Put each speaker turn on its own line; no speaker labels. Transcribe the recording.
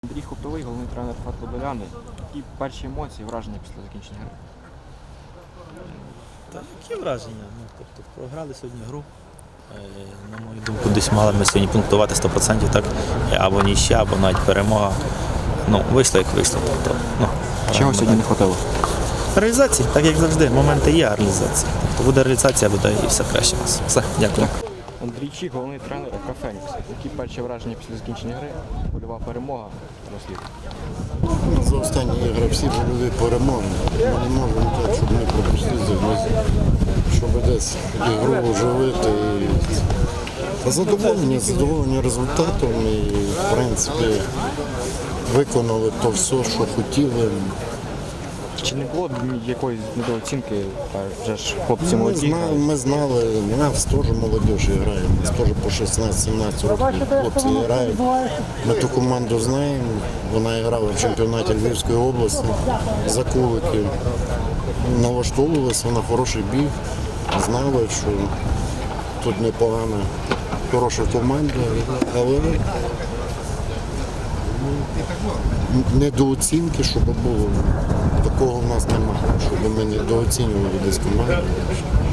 Андрій Хоптовий, головний тренер ФАТ Подоляни. Які перші емоції, враження після закінчення гри?
Та які враження? Тобто програли сьогодні гру. На мою думку, десь мали ми сьогодні пунктувати 100%, так? Або нічия, або навіть перемога. Вийшло як вийшло. Тобто,
Чого сьогодні не хватило?
Реалізації, так як завжди, моменти є, а реалізація. Тобто буде реалізація, буде і все краще у нас. Все, дякую.
Андрій Чіх, головний тренер ФК «Фенікс». Які перші враження після закінчення гри? Польова перемога, розслід.
За останні ігри всі були перемоги. Ми не можемо так, щоб ми пропустили, щоб десь ігру оживити. Задоволені результатом і, в принципі, виконали то все, що хотіли.
Чи не було якоїсь недооцінки? Вже ж хлопці молоді.
Ми знали, у нас теж молодіж грає, у нас теж по 16-17 років хлопці грають. Ми ту команду знаємо, вона грала в чемпіонаті Львівської області за Куликів. Налаштовувалися на хороший бій, знали, що тут непогана, хороша команда, але недооцінки, щоб було, такого в нас немає, щоб ми недооцінювали десь команду.